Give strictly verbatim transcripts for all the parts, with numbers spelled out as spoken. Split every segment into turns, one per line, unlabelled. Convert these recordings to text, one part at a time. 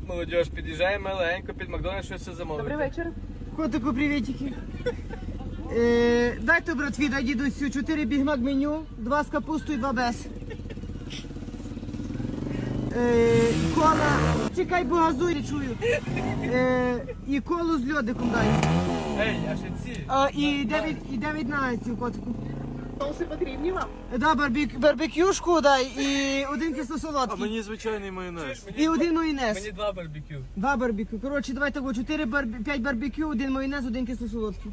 Молодіж, під'їжджаємо маленько під Макдональдс, щось все замовити.
Добрий вечір.
Котику, привітики. Е, дайте, братві, дай дідусю, чотири бігмак меню, два з капустою, два без. Е, кола, чекай, бо газуй, не чую. Е, і колу з льодиком дай.
Ей, а ще ці.
А, і дев'ять, і дев'ять нагетсів, котику.
Соуси потрібні вам?
Да, барбек, барбекюшку дай і один кисло-солодкий.
Мені звичайний майонез.
І один майонез.
Мені два барбекю.
Два барбекю. Коротше, давайте го, чотири барбі... п'ять барбекю, один майонез, один кисло-солодкий.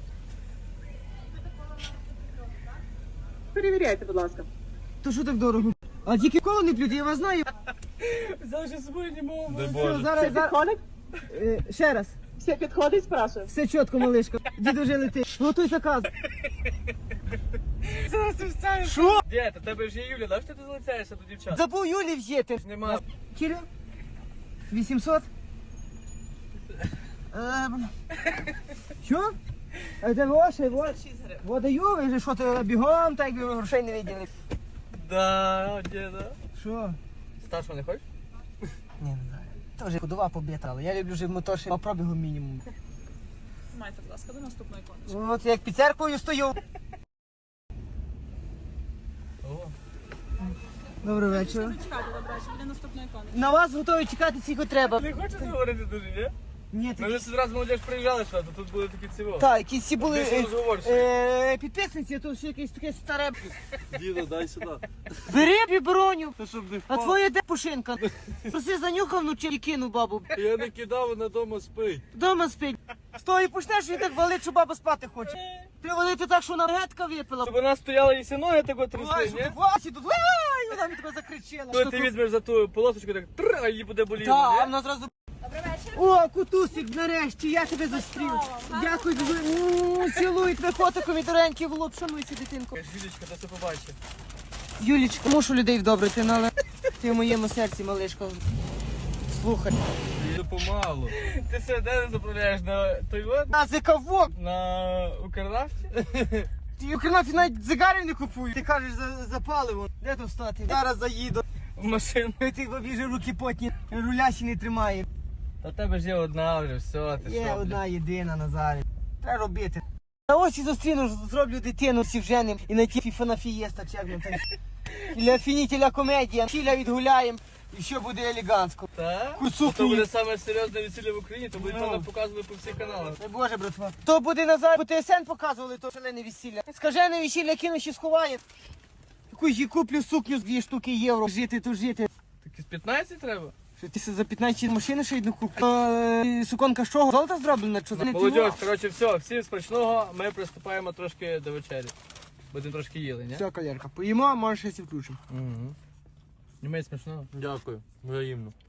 Перевіряйте, будь ласка.
То що так дорого? А тільки коло не плють, я вас знаю.
Завжди з собою не можу.
Дай
Все,
Боже.
зараз,
Все
зараз...
підходить?
Е, ще раз.
Все підходить, спрашиваю.
Все чітко, малишка. Діду вже летить. Готуй заказ.
Зараз ти вставиш.
Що?
Дід, у тебе ж є Юля, да, що ти залицяєшся до дівчат?
Забув Юлі взяти.
Нема.
Кіля? вісімсот? Е, Що? А це ваше, вот. Вот даю, ви же що то бігом, так якби ви грошей не виділи.
Да, діда.
Що?
Старшого не хочеш?
Ні, не знаю. То вже ходова побита, але я люблю вже мотоші по пробігу мінімум.
Майте, будь ласка, до наступної конечки.
От як під церквою стою.
О.
Добрий вечір.
Чекайте, добре, що буде наступної конечки.
На вас готові чекати скільки треба.
Не хочеш говорити дуже, ні?
Ні,
Ми
такі...
вже раз молодіж приїжджали сюди, то тут були такі ціво.
Так, якісь всі були
Більше
е,
розговорші.
е, підписниці, а то ще якесь таке старе.
Діда, дай сюди.
Бери біброню.
Та щоб не
А
впав.
твоя де пушинка? Проси занюхав вночі і кинув бабу.
Я не кидав, вона дома спить.
Дома спить. З того і почнеш, він так валить, що баба спати хоче. Треба валити так, що вона гетка випила.
Щоб вона стояла і всі ноги так от
Ой,
трясли,
що
ні?
ти Васі тут, ай, вона мені тебе закричала.
Коли ти візьмеш за ту полосочку, так тр, а її буде боліти,
Так, а
ні?
вона зразу... О, кутусик, нарешті, я тебе зустрів. Дякую, дуже. Цілую тебе котиком і доренький в лоб. Шануйся, дитинко.
Юлічка, то це побачив.
Юлічка, мушу людей вдобрити, але ти в моєму серці, малишка. Слухай.
Їду помалу.
Ти все де заправляєш на той от?
На зикавок.
На Укрнафті?
Ти Укрнафті навіть дзигарів не купує. Ти кажеш за, за паливо. Де тут стати? Зараз заїду.
В машину.
Ти бабі же руки потні, руля ще не тримає.
Та в тебе ж є одна вже, все, ти
Є
що?
одна єдина Назарі. Треба робити. На ось і зустріну, зроблю дитину, всі вженим і на ті фіфана фієста, чи як воно там. Для фінітіля комедія, філя відгуляємо і що буде елегантсько.
Так?
Курсу
То буде
книг.
саме серйозне весілля в Україні, то буде
Ну.
певно показувати по всіх каналах.
Дай Боже, братва. То буде Назар, по ТСН показували, то шалене весілля. Скажене весілля кину ще сховає. Таку ж куплю сукню з дві штуки євро. Жити, то жити.
Так із п'ятнадцять треба?
Що ти за п'ятнадцять машини ще одну куплю? Е, Суконка з чого? Золота зроблена? Що за
Молодіж, коротше, все, всім смачного, ми приступаємо трошки до вечері. Будемо трошки їли, ні?
Все, колярка, поїмо, а може щось і включимо.
Угу. Німець смачного.
Дякую, взаємно.